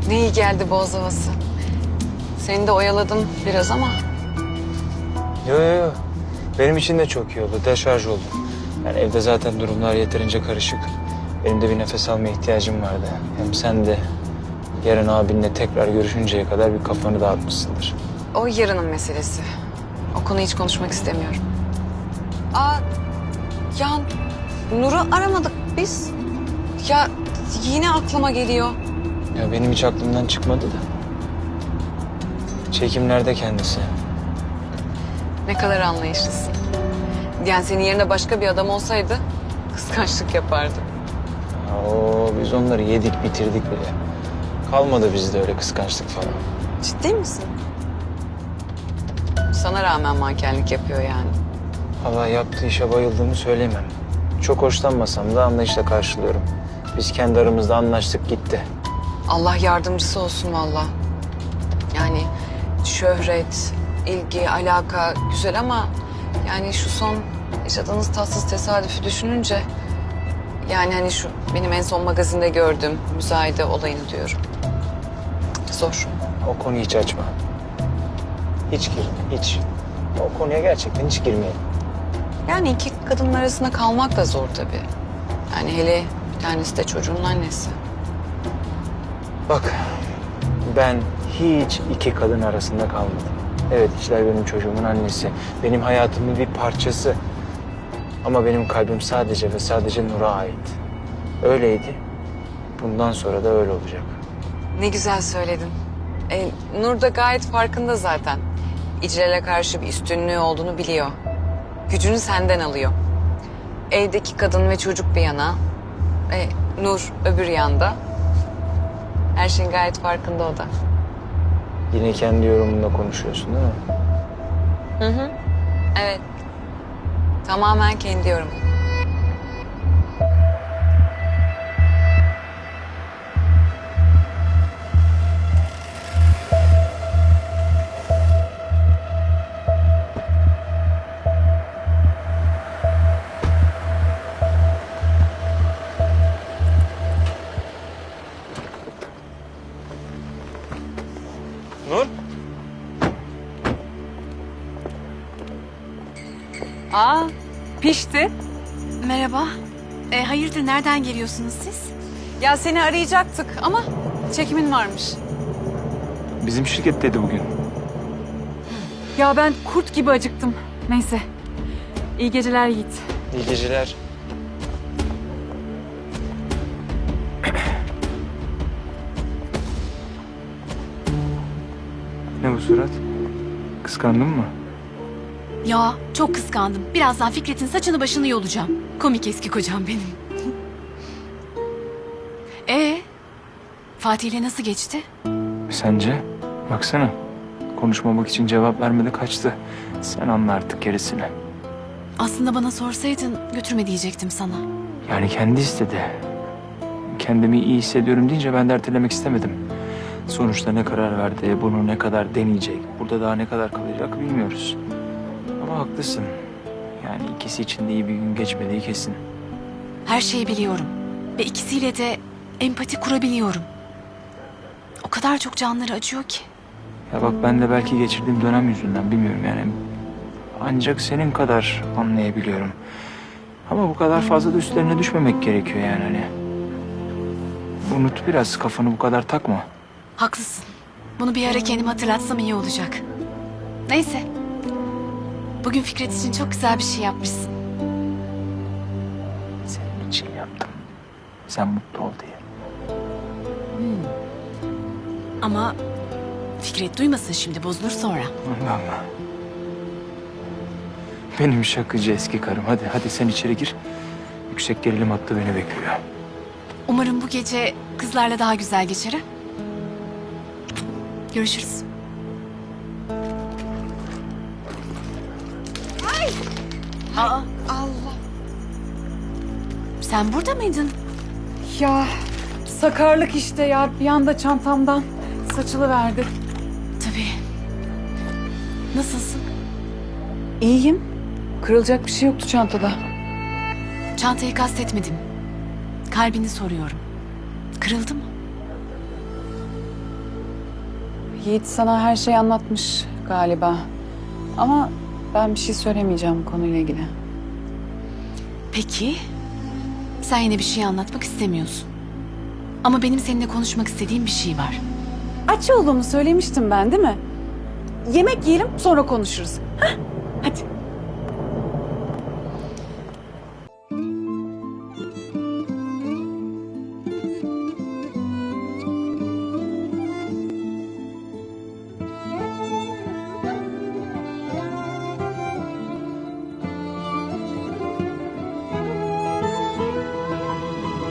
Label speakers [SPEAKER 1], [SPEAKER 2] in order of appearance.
[SPEAKER 1] Ne iyi geldi boğaz havası. Seni de oyaladım biraz ama.
[SPEAKER 2] Yo yo yo. Benim için de çok iyi oldu. Deşarj oldum. Yani evde zaten durumlar yeterince karışık. Benim de bir nefes almaya ihtiyacım vardı. Hem sen de yarın abinle tekrar görüşünceye kadar bir kafanı dağıtmışsındır.
[SPEAKER 1] O yarının meselesi. O konuyu hiç konuşmak istemiyorum. Aa, ya Nur'u aramadık biz. Ya yine aklıma geliyor.
[SPEAKER 2] Ya benim hiç aklımdan çıkmadı da. Çekimlerde kendisi.
[SPEAKER 1] Ne kadar anlayışlısın. Yani senin yerine başka bir adam olsaydı kıskançlık yapardı.
[SPEAKER 2] Oo, biz onları yedik bitirdik bile. Kalmadı bizde öyle kıskançlık falan.
[SPEAKER 1] Ciddi misin? Sana rağmen mankenlik yapıyor yani.
[SPEAKER 2] Allah yaptığı işe bayıldığımı söyleyemem. Çok hoşlanmasam da anlayışla karşılıyorum. Biz kendi aramızda anlaştık gitti.
[SPEAKER 1] Allah yardımcısı olsun valla. Yani şöhret, ilgi, alaka güzel ama yani şu son yaşadığınız tatsız tesadüfü düşününce yani hani şu benim en son magazinde gördüğüm müzayede olayını diyorum. Zor.
[SPEAKER 2] O konuyu hiç açma. Hiç girme, hiç. O konuya gerçekten hiç girmeyelim.
[SPEAKER 1] Yani iki kadının arasında kalmak da zor tabii. Yani hele bir tanesi de çocuğun annesi.
[SPEAKER 2] Bak, ben hiç iki kadın arasında kalmadım. Evet, İclal benim çocuğumun annesi. Benim hayatımın bir parçası. Ama benim kalbim sadece ve sadece Nur'a ait. Öyleydi. Bundan sonra da öyle olacak.
[SPEAKER 1] Ne güzel söyledin. Nur da gayet farkında zaten. İclal'e karşı bir üstünlüğü olduğunu biliyor. Gücünü senden alıyor. Evdeki kadın ve çocuk bir yana. Nur öbür yanda. Her şeyin gayet farkında o da.
[SPEAKER 2] Yine kendi yorumunla konuşuyorsun değil mi?
[SPEAKER 1] Hı hı. Evet. Tamamen kendi yorumum.
[SPEAKER 2] Nur?
[SPEAKER 1] Aa, pişti.
[SPEAKER 3] Merhaba. Hayırdır, nereden geliyorsunuz siz?
[SPEAKER 1] Ya seni arayacaktık ama çekimin varmış.
[SPEAKER 2] Bizim şirketteydi bugün.
[SPEAKER 4] Ya ben kurt gibi acıktım. Neyse. İyi geceler Yiğit.
[SPEAKER 2] İyi geceler. Ne bu surat? Kıskandın mı?
[SPEAKER 3] Ya çok kıskandım. Birazdan Fikret'in saçını başını yolacağım. Komik eski kocam benim. Fatih'le nasıl geçti?
[SPEAKER 2] Sence? Baksana. Konuşmamak için cevap vermedi kaçtı. Sen anla artık gerisini.
[SPEAKER 3] Aslında bana sorsaydın götürme diyecektim sana.
[SPEAKER 2] Yani kendi istedi. Kendimi iyi hissediyorum deyince ben de ertelemek istemedim. Sonuçta ne karar verdi, bunu ne kadar deneyecek, burada daha ne kadar kalacak bilmiyoruz. Ama haklısın. Yani ikisi için de iyi bir gün geçmediği kesin.
[SPEAKER 3] Her şeyi biliyorum. Ve ikisiyle de empati kurabiliyorum. O kadar çok canları acıyor ki.
[SPEAKER 2] Ya bak ben de belki geçirdiğim dönem yüzünden bilmiyorum yani. Ancak senin kadar anlayabiliyorum. Ama bu kadar fazla da üstlerine düşmemek gerekiyor yani hani. Unut biraz, kafanı bu kadar takma.
[SPEAKER 3] Haklısın. Bunu bir ara kendime hatırlatsam iyi olacak. Neyse. Bugün Fikret için çok güzel bir şey yapmışsın.
[SPEAKER 2] Senin için yaptım. Sen mutlu ol diye.
[SPEAKER 3] Ama Fikret duymasın şimdi, bozulur sonra.
[SPEAKER 2] Allah Allah. Benim şakacı eski karım. Hadi sen içeri gir. Yüksek gerilim hattı beni bekliyor.
[SPEAKER 3] Umarım bu gece kızlarla daha güzel geçer ha? Görüşürüz. Aa,
[SPEAKER 1] Allah.
[SPEAKER 3] sen burada mıydın?
[SPEAKER 4] Ya sakarlık işte ya. Bir anda çantamdan saçılıverdi.
[SPEAKER 3] Tabii. Nasılsın?
[SPEAKER 4] İyiyim. Kırılacak bir şey yoktu çantada.
[SPEAKER 3] Çantayı kastetmedim. Kalbini soruyorum. Kırıldı mı?
[SPEAKER 1] Yiğit sana her şeyi anlatmış galiba. Ama ben bir şey söylemeyeceğim konuyla ilgili.
[SPEAKER 3] Peki. Sen yine bir şey anlatmak istemiyorsun. Ama benim seninle konuşmak istediğim bir şey var.
[SPEAKER 4] Aç olduğumu söylemiştim ben değil mi? Yemek yiyelim sonra konuşuruz. Hah, hadi.